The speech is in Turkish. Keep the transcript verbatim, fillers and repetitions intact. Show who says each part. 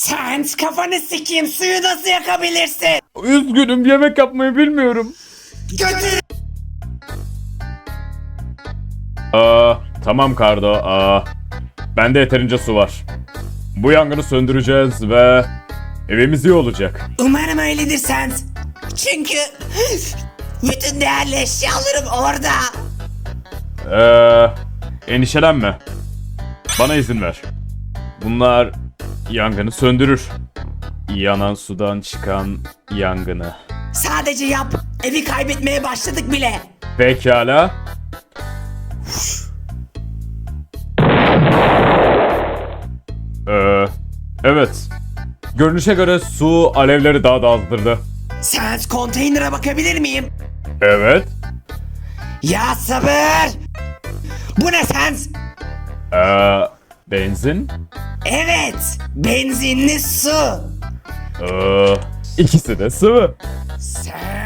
Speaker 1: Sen kafanı sikeyim, suyu nasıl yakabilirsin?
Speaker 2: Üzgünüm, yemek yapmayı bilmiyorum.
Speaker 1: Götür.
Speaker 2: Aa, tamam Kardo. Aa, bende yeterince su var. Bu yangını söndüreceğiz ve evimiz iyi olacak.
Speaker 1: Umarım öyledir Sans. Çünkü bütün değerli eşyalarım orada.
Speaker 2: Ee, endişelenme. Bana izin ver. Bunlar yangını söndürür. Yanan sudan çıkan yangını.
Speaker 1: Sadece yap. Evi kaybetmeye başladık bile.
Speaker 2: Pekala. Ee, evet. Görünüşe göre su alevleri daha da azdırdı.
Speaker 1: Sans, konteynere bakabilir miyim?
Speaker 2: Evet.
Speaker 1: Ya sabır. Bu ne Sans?
Speaker 2: Ee, benzin.
Speaker 1: Evet. Benzinli su.
Speaker 2: Ee, ikisi de sıvı.
Speaker 1: Sans.